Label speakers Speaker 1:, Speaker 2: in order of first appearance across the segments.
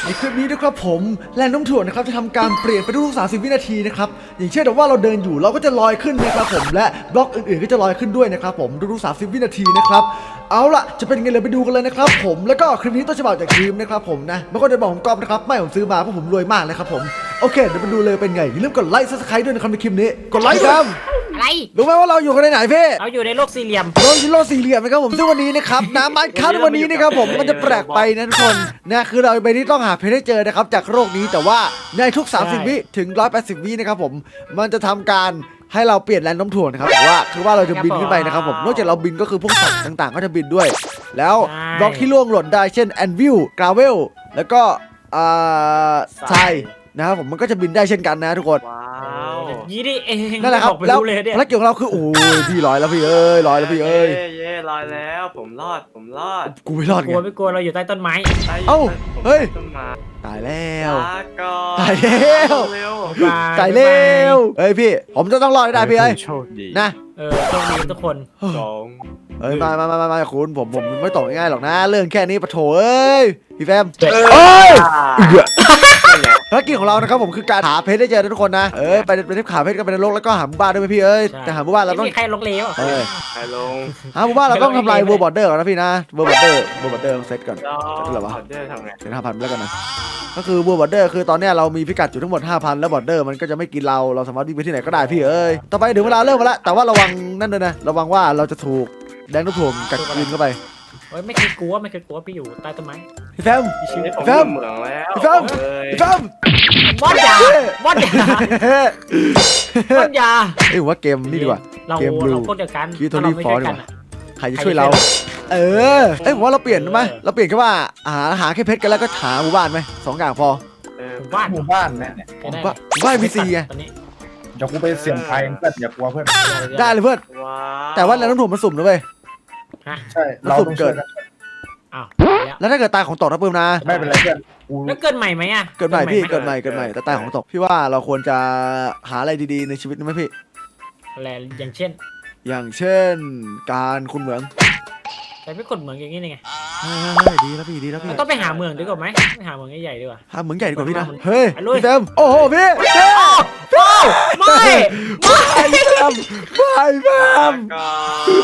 Speaker 1: ในคลิปนี้นะครับผมแรงโน้มถ่วงนะครับจะทำการเปลี่ยนไปทุกๆ30 วินาทีนะครับอย่างเช่นว่าเราเดินอยู่เราก็จะลอยขึ้นนะครับผมและบล็อกอื่นๆก็จะลอยขึ้นด้วยนะครับผมทุกๆ30 วินาทีนะครับเอาล่ะจะเป็นไงเลยไปดูกันเลยนะครับผมแล้วก็คลิปนี้ต้นฉบับจากทีมนะครับผมนะไม่ก็จะบอกผมกอบนะครับไม่ผมซื้อมาเพราะผมรวยมากเลยครับผมโอเคเดี๋ยวไปดูเลยเป็นไงอย่าลืมกดไลค์ซับสไครต์ด้วยนะครับในคลิปนี้กดไลค์ครับ
Speaker 2: อะไร
Speaker 1: รู้ไหมว่าเราอยู่กันในไหนพี่
Speaker 2: เราอยู่ในโลกสี่เหลี่ยม
Speaker 1: เราอยู่โลกสี่เหลี่ยมนะครับผมซึ่งวันนี้นะครับน้ำมันคั้นวันนี้นะครับผมมันจะแปลกไปนะทุกคนนะคือเราไปที่ต้องหาเพชรให้เจอนะครับจากโลกนี้แต่ว่าในทุก30 วิถึง180 วินะครับผมมันจะทำการให้เราเปลี่ยนแรงโน้มถ่วงนะครับแต่ว่าคือว่าเราจะบินขึ้นไปนะครับผมนอกจากเราบินก็คือพวกสัตว์ต่างๆก็จะบินด้วย แล้วบล็อกที่ล่วงหล่นได้เช่นแอนวิลกราเวลแล้วก็ทรายนะครับผมมันก็จะบินได้เช่นกันนะทุกคน
Speaker 3: ว้าว
Speaker 2: ยี่ดิเอง
Speaker 1: นั่นแหละครับ
Speaker 2: อกไป
Speaker 1: แล้ว
Speaker 2: เลยเนี่ย
Speaker 1: ภารกิจของเราคือโอ้ยพี่ลอยแล้วพี่เอ้ยลอยแล้วพี่เอ้ย
Speaker 3: เย่ลอยแล้วผมรอด
Speaker 1: กูไม่รอด
Speaker 2: ก
Speaker 1: ไง
Speaker 2: ลัวไม่กลัวเราอยู่ใต้ต้นไม้
Speaker 1: เอ้าเฮ้ย
Speaker 3: ต้นไม้
Speaker 1: ตายแล้ว
Speaker 3: ลาก่อน
Speaker 1: ตายแล้ว
Speaker 3: เร็ว
Speaker 1: ตายแล้วเฮ้ยพี่ผมจะต้องรอดให้ได้พี่เอ้ย
Speaker 3: โชคดี
Speaker 1: นะ
Speaker 2: โชคดีทุกคน
Speaker 3: สอง
Speaker 1: เอ้ยมาคุณผมไม่ตกง่ายๆหรอกนะเรื่องแค่นี้ปะโถเอ้ยพี่แฟม
Speaker 3: เอ้
Speaker 1: เอ้ย
Speaker 3: ย
Speaker 1: ภารกิจของเรานะครับผมคือการหาเพชรได้เจอทุกคนนะไปที่ขาเพชรกันไปในโลกแล้วก็หาหมู่บ้านด้วยไหมพี่เอ้ยแต่หาหมู่บ้านเราต้อง
Speaker 2: ไม่มีใครลงเหลว
Speaker 1: เอ้ย
Speaker 3: ไปลง
Speaker 1: หาหมู่บ้านเราต้องทำลายเวอร์บอร์เดอร์ก่อนนะพี่นะเวอร์บอร์เดอร์เซตก่อน
Speaker 3: รอ
Speaker 1: เซตอะไรวะ
Speaker 3: ออเดอร์ทำไง
Speaker 1: เซต5,000แล้วกันนะก็คือเวอร์บอร์เดอร์คือตอนเนี้ยเรามีพิกัดอยู่ทั้งหมด 5,000 แล้วบอร์เดอร์มันก็จะไม่กินเราสามารถวิ่งไปที่ไหนก็ได้พี่เอ้ยต่อไปถึงเวลาเริ่มมาแล้วแต่ว่าระวังนั่นด้วยนะระวังว่าเราจะถูกแดงน้ำถ่วงกัดกินเข้าไป
Speaker 2: เฮ้ยไม่เคยกลัวพี่อยู่ใต้ต้นไม้
Speaker 1: พี่แฟม
Speaker 3: นี่ผม
Speaker 1: แฟม
Speaker 3: เหมืองแล้ว
Speaker 1: พี่แฟม
Speaker 3: เลย
Speaker 1: พี่แฟม
Speaker 2: บอสยาบอสยาบอสยา
Speaker 1: เอ้ยผมว่าเกมนี่ดีกว่า
Speaker 2: เรา
Speaker 1: เกม Blue
Speaker 2: เราพวกเดียวกัน
Speaker 1: คิดโทนี่
Speaker 2: เราไม่
Speaker 1: ฟอร์
Speaker 2: ใช่
Speaker 1: ดี
Speaker 2: กั
Speaker 1: ก
Speaker 2: น
Speaker 1: ว่า
Speaker 2: อะ
Speaker 1: ใครจะช่วยเรา เออเอ้ยผมว่าเราเปลี่ยนไหมเราเปลี่ยนแค่ว่าหาแค่เพชรกันแล้วก็หาหมู่บ้านไหม2 อย่างพอ
Speaker 2: บ้าน
Speaker 4: หมู่บ้านเนี่ย
Speaker 2: ใช้ได้
Speaker 1: ว่าหมู่บ้านมี4ไง
Speaker 2: ตอนนี้
Speaker 4: เดี๋ยวกูไปเสี่ยงภัยเพื่อนอย่ากลัวเพื่อน
Speaker 1: ได้เลยเพื่อน
Speaker 3: ว้าว
Speaker 1: แต่ว่าแรงน้ำถ่วงมันสุ่มนะเว้ย
Speaker 2: ฮะ
Speaker 4: ใช่เราต้องช่วยกัน
Speaker 2: อ้าว
Speaker 1: แล้วถ้าเกิดตายของตกนะปื้มนะ
Speaker 4: ไม่เป็นไรเพื่อนกู
Speaker 2: แล้วเกิดใหม่ไหมอะ
Speaker 1: เกิดใหม่พี่เกิดใหม่แต่ตายของตกพี่ว่าเราควรจะหาอะไรดีๆในชีวิตนะไหมพี่
Speaker 2: อะไรอย่างเช่น
Speaker 1: อย่างเช่นการคุณเหมือง
Speaker 2: แต่ไม่คนเหมืองอย่างนี้นี่ไง
Speaker 1: เฮ้ยดีแล้วพี่ดีแล้วพี่
Speaker 2: เราต้องไปหาเมืองดีกว่าไหมไปหาเมืองใหญ่ๆดีกว่า
Speaker 1: หาเหมืองใหญ่ดีกว่าพี่นะ
Speaker 2: มัน
Speaker 1: เฮ้ย
Speaker 2: ไปลุย
Speaker 1: พี่แฟมโอ้โหพี่พี่
Speaker 2: ไม่
Speaker 1: พี่แฟมไม่แฟ
Speaker 3: ลาม ก่อน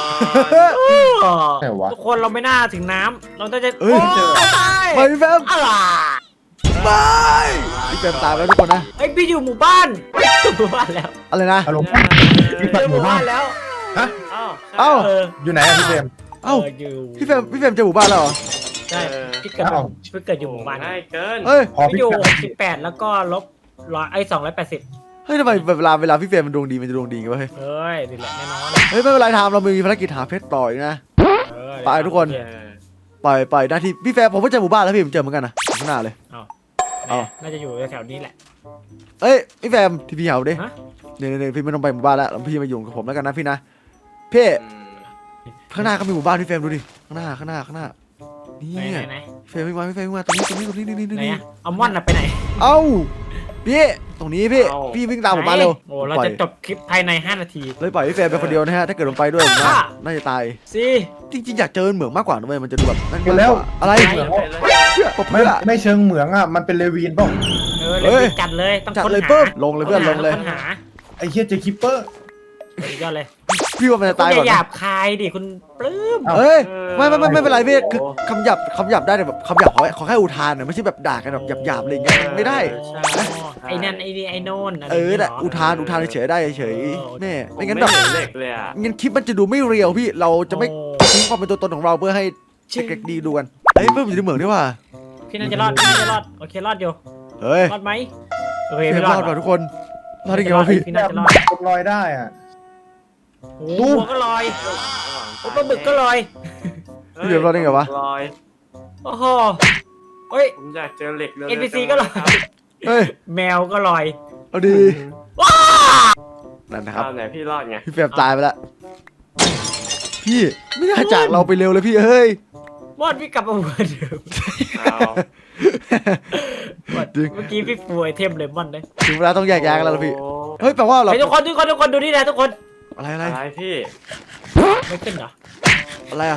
Speaker 4: แต่วะ
Speaker 2: ทุกคนเราไม่น่าถึงน้ำเราต้องจะ
Speaker 1: เฮ้ย
Speaker 2: โอ้
Speaker 1: ไม่พี่แฟม
Speaker 2: อะไร
Speaker 1: ไม่พี่แฟมตายแล้วทุกคนนะ
Speaker 2: ไอยพี่อยู่หมู่บ้านหมู่บ้านแล้ว
Speaker 1: อะไรนะ
Speaker 4: อารมณ์
Speaker 2: เจอหมู่บ้านแล้ว
Speaker 4: ฮะ
Speaker 3: เอ้า
Speaker 1: เอ้า
Speaker 2: เออ
Speaker 4: อยู่ไหนอะพี่เจมส์
Speaker 1: เอ้า
Speaker 2: อยู่
Speaker 1: พี่แฟมเจอหมู่บ้านแล้วเหรอ
Speaker 2: ใช่พี่เกิด
Speaker 4: เอ้า
Speaker 2: พี่เกิดอยู่หมู่บ้าน
Speaker 3: ง่ายเกิน
Speaker 1: เฮ้ย
Speaker 4: พอ
Speaker 2: พี่
Speaker 4: พี่
Speaker 2: อยู่
Speaker 4: กัด
Speaker 2: 68แล้วก็ลบ280
Speaker 1: เฮ้ยทำไมเวลาพี่แฟมมันดวงดีมันจะดวงดีกันวะเฮ้ย
Speaker 2: เฮ้ยนี่แหละแน่นอน
Speaker 1: เฮ้ยไม่เป็นไรทำเรามีภารกิจหาเพชรต่ออีกนะ
Speaker 2: เออ
Speaker 1: ไปทุกคน
Speaker 3: เออ
Speaker 1: ปล่อยหน้าที่พี่แฟมผมก็เจอหมู่บ้านแล้วพี่ผมเจอเหมือนกันนะข้างหน้าเลย เอา
Speaker 2: น่าจะอยู่แถวๆนี้แหละ
Speaker 1: เอ้ยพี่แฟมที่พี่เหาดิ
Speaker 2: ฮะ
Speaker 1: เนี่ยพี่ไม่ต้องไปหมู่บ้านแล้วพี่มาอยู่กับผมแล้วกันนะพี่นะพี่
Speaker 3: อืม
Speaker 1: ข้างหน้าก็มีหมู่บ้านพี่แฟมดูดิข้างหน้านี่
Speaker 2: ไหน
Speaker 1: พี่แฟมวิ่งมาตรงนี้นี่
Speaker 2: ไหนอะเอาม่อนน่ะไปไหน
Speaker 1: เอ้าพี่ตรงนี้พี่วิ่งตามผมมาเร็ว
Speaker 2: โอ้เราจะจบคลิปภายใน5 นาที
Speaker 1: เลยปล่อยพี่แฟมไปคนเดียวนะฮะถ้าเกิดลงไปด้วยผมว่าน่าจะตาย
Speaker 2: สิ
Speaker 1: จริงๆอยากเจอเหมืองมากกว่านะเว้ยมันจะดูแบบนั่น
Speaker 4: ไปแล้ว
Speaker 1: อะไร
Speaker 3: ไปเลย
Speaker 1: ปบ
Speaker 4: ไม่
Speaker 1: เพื่อ
Speaker 4: ไม่เชิงเหมืองอ่ะมันเป็นเลวีนเปล่า
Speaker 2: เลยจัดเลยต้อง
Speaker 1: จัด
Speaker 2: ค้น
Speaker 1: เลย
Speaker 2: หา
Speaker 1: เพิ่มลงเลยเพื่อนลงเลย
Speaker 2: ค้นหา
Speaker 4: ไอ้เฮียเจอคิปเปอร์
Speaker 2: สุดยอดเลย
Speaker 1: พี่ว่ามันจะ
Speaker 2: คุณ
Speaker 1: ตาย
Speaker 2: อ
Speaker 1: ก่อน
Speaker 2: ย่าหยา
Speaker 1: นะ
Speaker 2: บคายดิคุณปลื้ม
Speaker 1: เอ้ยไม่เป็นไรพี่คือคำหยาบได้แต่แบบคำหยาบขอแค่อุทานนะไม่ใช่แบบด่ากันแบบหยาบอะไรอย่างเงี้ยไม่ได้
Speaker 2: ไอ้นั่นไอ้นี่ไอ้โน่น
Speaker 1: แต่อุทานเฉยได้เฉยแม่ไม่งั้นแบบ
Speaker 3: ผมไม่เห็นเหล็กเลยอ่ะ
Speaker 1: งั้นคลิปมันจะดูไม่เรียวพี่เราจะไม่ทิ้งความเป็นตัวตนของเราเพื่อให้เด็กๆดีดูกันเฮ้ยเพิ่มอยู่ในเหมืองด้วยว่ะ
Speaker 2: พี่น่าจะรอดโอเครอดอยู่
Speaker 1: เฮ้ย
Speaker 2: รอดไหมโอเค
Speaker 1: เฟร
Speaker 2: ไม่
Speaker 1: ม
Speaker 2: ร
Speaker 1: ร
Speaker 2: อ
Speaker 1: อ
Speaker 2: ด
Speaker 1: ดว่ะทุกคนรอดได้ไงวะพี่
Speaker 2: พี่น่าจะรอด
Speaker 4: กดลอยได้อ่ะ
Speaker 2: โอ้โหก็ลอยโอ้ปลาบึกก็ลอย
Speaker 1: พี่เฟรมรอดได้ไงวะ
Speaker 3: ลอย
Speaker 2: โอ้โหเฮ้ย
Speaker 3: ผมอยากเจอเหล็กเลย
Speaker 2: NPC ก็ลอย
Speaker 1: เฮ้ย
Speaker 2: แมวก็ลอย
Speaker 1: เอาดีนั่นนะครับ
Speaker 3: เอาไหนพี่รอดไง
Speaker 1: พี่เฟรมตายไปแล้วพี่ไม่น่าจากเราไปเร็วเลยพี่เฮ้ย
Speaker 2: มอดพี่กลับมาเหมือนเดิม
Speaker 3: เอา
Speaker 2: เมื่อกี้พี่ฟูไอเทมเลมอนเลย
Speaker 1: ถึงเวลาต้องแยกย้ายกันแล้วล่ะพี่
Speaker 3: โอ้
Speaker 1: เฮ้ยแปลว่าเรา
Speaker 2: ทุกคนดูนี่นะทุกคน
Speaker 1: อะไร
Speaker 3: อะไรพี่
Speaker 2: ไม่ขึ้นเหรอ
Speaker 1: อะไรอะ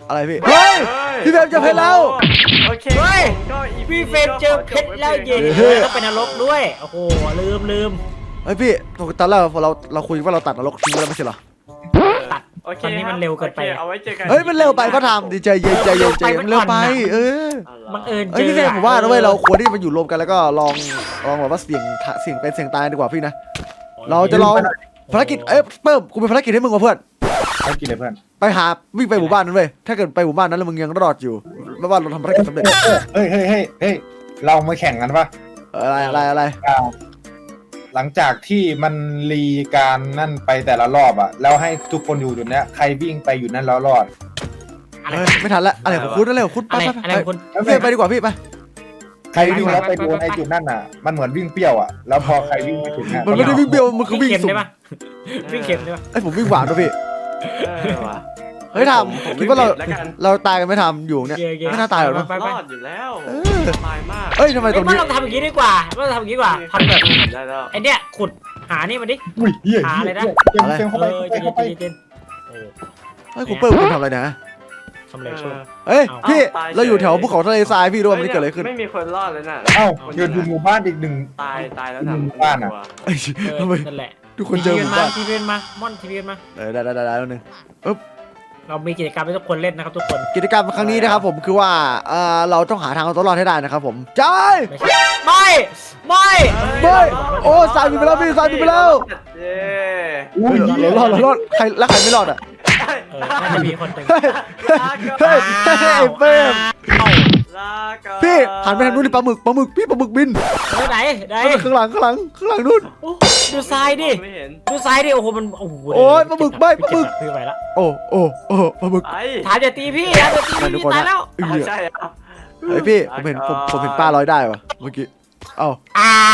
Speaker 1: อะไรพี่เฮ้ยพี่เฟรมเจอเพชรแล้ว
Speaker 3: โอเค
Speaker 2: เฮ้ย
Speaker 3: ก็
Speaker 2: พี่เฟรมเจอเพชรแล้วเย็นแล้วเป็นนรกด้วยโอ้โหลืม
Speaker 1: เฮ้ยพี่ตอนแรกเราคุยว่าเราตัดนรกทิ้งไปแล้วไม่ใช่เหรอ
Speaker 2: ตัด
Speaker 3: โอเค
Speaker 2: ตอนนี้มันเร็วเกินไป
Speaker 3: โอคเอาไว้เจอกัน
Speaker 1: เฮ้ยมันเร็วไปก็ทำดีใจเย็นมันเร็วไป
Speaker 2: บังเอิญ
Speaker 1: เฮ้ยพี่เฟรมผมว่านะเว้ยเราควรที่มาอยู่รวมกันแล้วก็ลองแบบว่าเสี่ยงเป็นเสี่ยงตายดีกว่าพี่นะเราจะลองภารกิจเพิ่มกูเป็นภารกิจให้มึงว่ะเพื่อน
Speaker 4: ให้กินเลยเพื่อน
Speaker 1: ไปหาวิ่งไปหมู่บ้านนั้นเว้ยถ้าเกิดไปหมู่บ้านนั้นแล้วมึงยังรอดอยู่ไม่ว่าเราทำภารกิจสำเร็จ
Speaker 4: เฮ้ยเรามาแข่งกันปะ
Speaker 1: อะไร
Speaker 4: หลังจากที่มันรีการนั่นไปแต่ละรอบอะแล้วให้ทุกคนอยู่จุดเนี้ยใครวิ่งไปอยู่นั่นแล้วรอด
Speaker 2: อะไร
Speaker 1: ไม่ทันละอะไรของคุณนั่นเลยของคุณไป
Speaker 2: อะไรคุณ
Speaker 1: พี่ไปดีกว่าพี่ไป
Speaker 4: ใครวิ่งแล้วไปโดนไอ้จุดนั่นอะมันเหมือนวิ่งเปรี้ยวอะแล้วพอใครวิ่งไปถึงอะ
Speaker 1: มันไม่ได้วิ่งเบี้ยวมันคือวิ่ง
Speaker 2: เข็ม
Speaker 1: สูง
Speaker 2: ได้ปะวิ่งเข็มได้ปะ
Speaker 1: ไอ้ผมวิ่งหวานด้วยพี่
Speaker 3: ว่ะ
Speaker 1: เฮ้ยทำคิดว่าเราตายกันไม่ทำอยู่เนี่ย
Speaker 2: เย่
Speaker 1: ไม่น่าตายหรอก
Speaker 2: ไป
Speaker 3: รอดอยู่แล้ว
Speaker 1: เออ
Speaker 3: สบายมาก
Speaker 1: เอ้ยทำไมตรง
Speaker 2: ไม่
Speaker 1: นี้
Speaker 2: ต้องทำอย่างนี้ดีกว่าไม่ต้องทำอย่างนี้ดีกว่าทำแบบ
Speaker 3: ได้แล้ว
Speaker 2: ไอเนี้ยขุดหานี่มาดิ
Speaker 4: อุ้ยเหี้ย
Speaker 2: หาอะไรนะ
Speaker 4: เต็มเข้าไป
Speaker 2: เจ
Speaker 4: เข้าไป
Speaker 2: นโอ้
Speaker 1: เฮ้ยคุณเปิ้ลคุณทำอะไรนะ
Speaker 2: สำเร็จช่วย
Speaker 1: เฮ้ยพี่เราอยู่แถวภูเขาทะเลทรายพี่รู้ว่ามันเกิดอะไรขึ้น
Speaker 3: ไม่มีคนรอดเลยน่ะ
Speaker 4: เอ้าเดินดูหมู่บ้านอีกหนึ่ง
Speaker 3: ตายแล้วนะ
Speaker 4: หมู่บ้านอะ
Speaker 1: ไอ้ทำไม
Speaker 2: นั่นแหละ
Speaker 1: ทุกคนเจอหมู่บ้าน
Speaker 2: ทีวีมาม่อนทีวีมา
Speaker 1: ได้แล้วนึง
Speaker 2: เรามีกิจกรรมให้ทุกคนเล่นนะครับทุกคน
Speaker 1: กิจกรรมครั้งนี้นะครับผมคือว่าเราต้องหาทางเอาตัวรอดให้ได้นะครับผมใจ
Speaker 2: ไม่
Speaker 1: โอ้สายบินไปแล้วพี่สายบินไปแล้ว
Speaker 3: เย้
Speaker 4: อุ้ย
Speaker 1: เรารอดใครไม่รอดอ่ะ
Speaker 2: น่าจะมีคนหนึ่ง
Speaker 1: เฮ้ยไอ้เฟิร์ม
Speaker 3: ลาก่อน
Speaker 1: พี่หันไปทางนู้นดิปลาหมึกพี่ปลาหมึกบิน
Speaker 2: ไหน
Speaker 1: ข้างหลังนู่น
Speaker 2: ดูทรายดิ
Speaker 3: ไม่เห็น
Speaker 2: ดูทรายดิโอ้โหมันโอ้โห
Speaker 1: โอ้ยปลาหมึกใบ้ปลาหมึก
Speaker 2: พี่ไปละ
Speaker 1: โอ้ปลาหมึก
Speaker 3: ไอ้
Speaker 2: ถามอย่าตีพี่ตายแล้ว
Speaker 3: ใช่อ่ะ
Speaker 1: เฮ้ยพี่ผมเห็นปลาลอยได้วะเมื่อกี้เอ้า
Speaker 2: อ้าว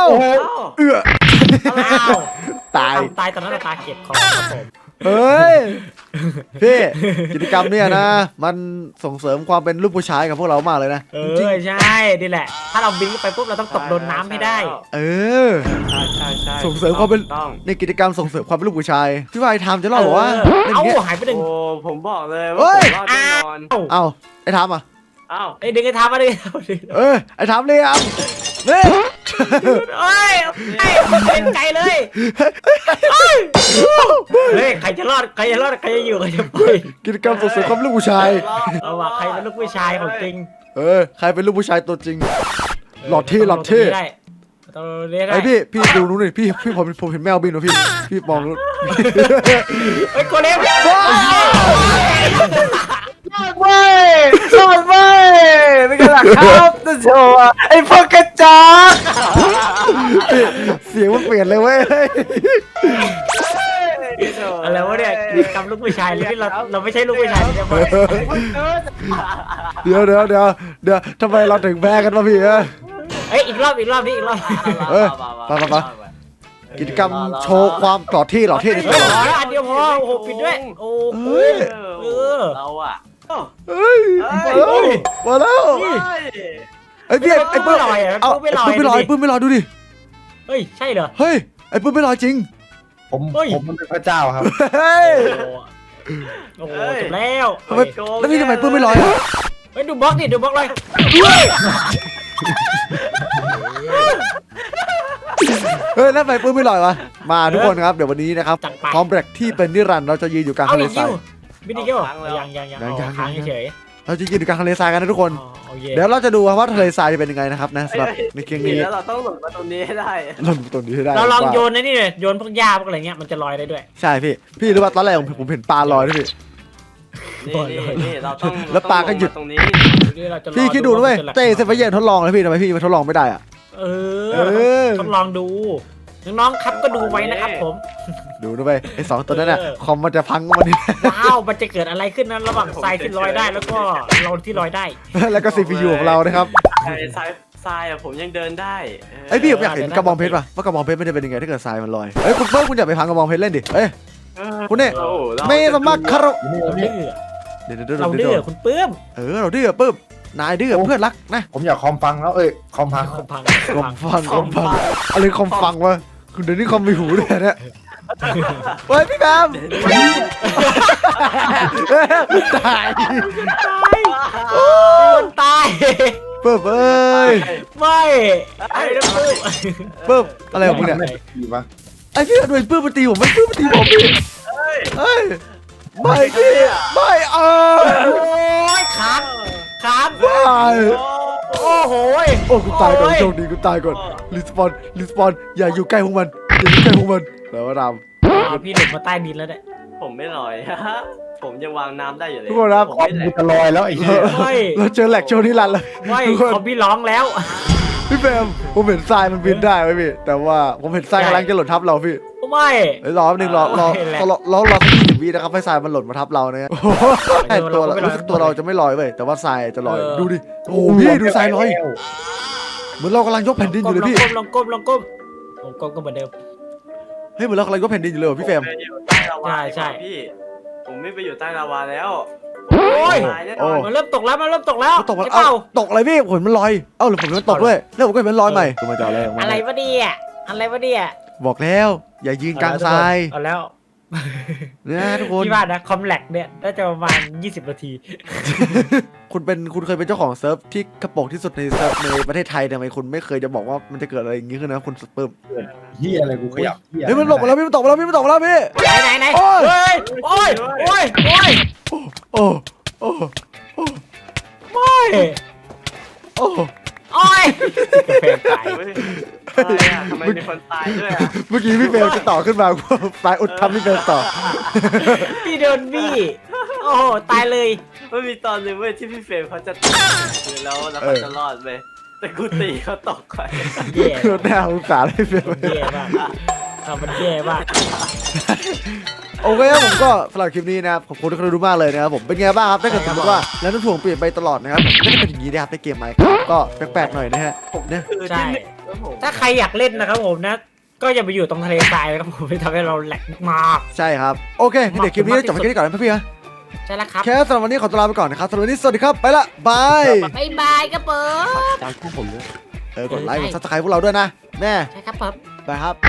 Speaker 1: ตาย
Speaker 2: ตายตอนนั้นตาเก็บของครับผม
Speaker 1: เฮ้ยพี่กิจกรรมเนี่ยนะมันส่งเสริมความเป็นลูกผู้ชายกับพวกเรามากเลยนะจริง
Speaker 2: ใช่นี่แหละ ถ้าเราบินไปปุ๊บเราต้องตกโดนน้ำให้ได้
Speaker 1: เออ
Speaker 3: ใช่
Speaker 1: ส่งเสริมความเป็น
Speaker 3: ต้อง
Speaker 1: ในกิจกรรมส่งเสริมความเป็นลูกผู้ชายพี่ว่าไอ้ทามจะเล่าบอกว่าเล่น
Speaker 2: เอ้า
Speaker 1: เงี้ย
Speaker 2: หายไปหนึ่ง
Speaker 3: โอ้ผมบอกเลย
Speaker 1: เฮ้
Speaker 3: ว่าย ผมรอดแน่นอน
Speaker 1: เอ้าไอ้ทามอ่ะ
Speaker 3: อ้าว
Speaker 2: ไอ้ดึงไอ้ทามมาดิ
Speaker 1: ไอ้ทามเลยอ่ะเนี่ย
Speaker 2: เฮ้ยเล่นไกลเลยเฮ้ยใครจะรอดใครจะอยู่ใครจะไป
Speaker 1: กิจกรรมส่งเสริมความเป็นลูกผู้ชาย
Speaker 2: เอาว่ะใครเป็นลูกผู้ชายของจริง
Speaker 1: ใครเป็นลูกผู้ชายตัวจริงหลอดเท่
Speaker 2: ได้ตัวนี้ได้
Speaker 1: ไอ้พี่ดูนู้นดิพี่ผมเห็นแมวบินวะพี่มองนู้น
Speaker 2: เฮ้ยโกเลม
Speaker 3: ไม่เป็นไงล่ะครับจะโชว์ไอ้พวกกระจอก
Speaker 1: เสียงมันเปลี่ยนเลยเว้ย
Speaker 2: อะไรวะเนี่ยกิจกรรมลูกผู้ชายเลยที่เราไม่ใช่ลูกผู้ชายใช่ไหม
Speaker 1: เดี๋ยวทำไมเราถึงแพ้กันวะพี่
Speaker 2: เอ้ยอีกรอบนี่อีกรอบ
Speaker 1: ไปกิจกรรมโชว์ความหล่อเท่ใน
Speaker 2: เฮ้
Speaker 1: ตั
Speaker 2: ยว
Speaker 1: เรา
Speaker 2: พอแล้วอันเดียวพอโอ้โหปิดด้วยโอ้โห
Speaker 3: เราอ่ะ
Speaker 1: เฮ้ยมาแล้วไอ้พี่ไอ้ปื้มเอาไอ้ปื้มไม่ลอยดูดิ
Speaker 2: เฮ้ยใช่เหรอ
Speaker 1: เฮ้ยไอ้ปื้มไม่ลอยจริง
Speaker 4: ผมมันเป็นพระเจ้าครับ
Speaker 1: เฮ้ย
Speaker 2: โอ้โหจบแล้ว
Speaker 1: แล้วพี่ทำไมปื้มไม่ลอย
Speaker 2: เฮ้ยดูบล็อกดิดูบล็อกเลย
Speaker 1: เฮ้ยแล้วทำไมปื้มไม่ลอยวะมาทุกคนครับเดี๋ยววันนี้นะครับพร้อมแบล็กที่เป็นนิรันดร์เราจะยืนอยู่กลาง
Speaker 2: เอา
Speaker 1: ทะเล
Speaker 2: อีก
Speaker 1: ทราย
Speaker 2: บินอีกยังค้างเฉย
Speaker 1: เราจะยืนอยู่กลางทะเลทรายกันนะทุกคน เดี๋ยวเราจะดูว่าทะเลทรายจะเป็นยังไงนะครับนะสำหรับในเกมนี้
Speaker 3: แล้วเราต้องหลุดมาตรงนี้ให้ได้
Speaker 1: เราตรงนี้ให้ได้
Speaker 2: เราลองโยนนี่เลยโยนพวกหญ้าพวกอะไรเงี้ยมันจะลอยได้ด้วย
Speaker 1: ใช่พี่รู้ว่าตอนแรกผมเห็นปลาลอยด้วยพี่
Speaker 3: นี่เราต้อง
Speaker 1: แล้วปลาก็หยุด
Speaker 3: ตรงนี้
Speaker 1: พี่คิดดูด้วยเต้เซฟเว่นทดลองแล้วพี่ทำไมพี่มาทดลองไม่ได้อะ
Speaker 2: ทดลองดูน้องๆครับก็ดูไว้นะครับผม
Speaker 1: ดูด้วยไอ้2ตัวนั้นน่ะคอมมันจะพังวันนี้
Speaker 2: ว้าวมันจะเกิดอะไรขึ้นนั้นระหว่างทรายที่ลอยได้แล้วก็เราที่ลอยได้
Speaker 1: แล้วก็ CPU ของเรานะครับ
Speaker 3: ทรายอะผมยังเดินได้
Speaker 1: ไอ้พี่ผมอยากเห็นกระบองเพชรป่ะว่ากระบองเพชรมันจะเป็นยังไงถ้าเกิดทรายมันลอยเอ้ยคุณเปิ้ลคุณอย่าไปพังกระบองเพชรเล่นดิเอ้ยคุณเนี่ยไม่สมัครคาร
Speaker 2: เราดื้อ
Speaker 1: เดี๋ยว
Speaker 2: เราดื้อคุณปื้ม
Speaker 1: เราดื้อปึ๊บนายดื้อเพื่อนรักนะ
Speaker 4: ผมอยากคอมฟังแล้วคอมพัง
Speaker 2: พัง
Speaker 1: คอมฟังอะไรคอมฟังวะคุณเดี๋ยวนี้คอมมีหูด้วยเนี่ยเฮ้ยพี่แบมตาย
Speaker 2: คนตาย
Speaker 1: เปิบเอ้ย
Speaker 2: ไม่ไอ้น้ำปื้ม
Speaker 1: เปิบอะไรของมึงเนี่ย
Speaker 4: ดีปะ
Speaker 1: ไอ้พี่โดนปื้มมาตีผมมันปื้มมาตีผมพี่เฮ้ยไม่ดิไม่
Speaker 2: โ
Speaker 1: เอ
Speaker 2: อ้ยค้างค้าง
Speaker 1: ไม่
Speaker 2: โอ้โห
Speaker 1: โอ้กูตายก่อนโชคดีกูตายก่อนรีสปอนอย่าอยู่ใกล้พวกมันอย่าอยู่ใกล้พวกมันแล้วว่าด
Speaker 2: พี่หลุดมาใต้ดินแล้วเนี่ย
Speaker 3: ผมไม่ลอย ผมยังวางน้ำได้อยู่เลย
Speaker 1: ทุกคนครับ
Speaker 3: ผม
Speaker 4: คอม
Speaker 3: ไม่แหล
Speaker 4: กู
Speaker 3: ก
Speaker 4: จะลอยแล้วไอ้เหี้ย
Speaker 2: ไม่
Speaker 1: เราเจอแหลกโชว์ที่รันเลย
Speaker 2: ไม่
Speaker 1: ทุกคน
Speaker 2: คอมพี่ร้องแล้ว
Speaker 1: พี่แบมผมเห็นทรายมันบินได้ไหมพี่แต่ว่าผมเห็นทรายกำลังจะหล่นทับเราพี่
Speaker 2: ไม่
Speaker 1: เฮ้ยรอแป๊บนึงรอสัก20 วินะครับให้ทรายมันหล่นมาทับเราเนี่ยใช่ตัวเรารู้สึกตัวเราจะไม่ลอยเว้ยแต่ว่าทรายจะลอยดูดิโอ้โหพี่ดูทรายลอยเหมือนเรากำลังยกแผ่นดินอยู่เลยพี่
Speaker 2: ลองก้มก้มก็เหมือนเดิม
Speaker 1: เฮ้ยเหมือนเรากำลังยกแผ่นดินอยู่เลยว่ะพี่เฟรม
Speaker 3: ผมไปอยู่ใต้ลาวา
Speaker 2: ใช่
Speaker 3: พี่ ผมไม่ไปอยู่ใต้ลาวาแล้ว
Speaker 2: โอ้ย
Speaker 3: ตายแน่นอน
Speaker 2: มันเริ่มตกแล้วมันเริ่มตกแล้ว
Speaker 1: ตกมัน
Speaker 2: ใช่เปล่า
Speaker 1: ตกอะไรพี่ผมมันลอยเอ้าหรือผมมันตกด้วยแล้วผมก็เห็นมันลอยใหม่คือมันจะอะไรของมัน
Speaker 2: อะไรวะเนี่ยอะไรวะเนี่ย
Speaker 1: บอกแล้วอย่ายืนกลางทราย
Speaker 2: เอาแล้ว
Speaker 1: นะทุกคน
Speaker 2: พี่ว่านะคอมแลกเนี่ยน่าจะประมาณ20 นาที
Speaker 1: คุณเคยเป็นเจ้าของเซิร์ฟที่กระโปรงที่สุดในเซิร์ฟในประเทศไทยทำไมคุณไม่เคยจะบอกว่ามันจะเกิดอะไรอย่างงี้ขึ้นนะคุณสเปิร์ม
Speaker 4: เหี้ยอะไรกูขยับเหี้ย
Speaker 1: เฮ้ยมันหลบมาแล้วพี่มันตกมาแล้วพี่มันตกมาแล้วพี่
Speaker 2: ไหน
Speaker 1: โอ้ย
Speaker 2: เฮ้ยโอ้ยโอ้ยโอ้ย
Speaker 1: โอ้โอ้
Speaker 2: โอ้ย
Speaker 1: โอ้
Speaker 2: โอ้ยกาแฟตาย
Speaker 3: เฮ้ยอะไรอะทำไมมีคนตายด้วยอะ
Speaker 1: เมื่อกี้พี่เฟรมจะต่อขึ้นมาตายอุดทำพี่เฟรมต่อ
Speaker 2: พี่โดนบี้โอ้โหตายเลย
Speaker 3: มันมีตอนหนึงเว้ยที่พี่เฟรมเขาจะตายแล้วเขาจะรอดไปแต่กูตีเขาตกไป
Speaker 2: แย่
Speaker 1: คือหน้าสงสารพี่เฟรม
Speaker 2: แย่มากมันแย่มาก
Speaker 1: โอเคครับผมก็สำหรับคลิปนี้นะครับขอบคุณทุกคนดูมากเลยนะครับผมเป็นไงบ้างครับถ้าเกิดสมมติว่าแล้วน้ำถ่วงเปลี่ยนไปตลอดนะครับผมก็จะเป็นอย่างนี้นะครับในเกมไมค์ครับก็แปลกๆหน่อยนะฮะผมเนี่ย
Speaker 3: คือ
Speaker 2: ใช่
Speaker 3: ที่หนึ่งแล้วผม
Speaker 2: ถ้าใครอยากเล่นนะครับผมนะ ก็อย่าไปอยู่ตรงทะเลทรายนะครับผมไม่ทำให้เราแหลกมาก
Speaker 1: ใช่ครับโอเคงั้นเดี๋ยวคลิปนี้จบไปแค่นี้ก่อนนะพี่ๆนะ
Speaker 2: ใช่แล้วครับ
Speaker 1: แค่สำหรับวันนี้ขอตัวลาไปก่อนนะครับสำหรับวันนี้สวัสดีครับไปละบาย
Speaker 2: บ๊ายบายครับผม
Speaker 3: ตามพวกผมด้วย
Speaker 1: กดไลค์กดซับสไครต์พวกเราด้วยนะแม่
Speaker 2: ใช่ครับผม
Speaker 1: บายครับ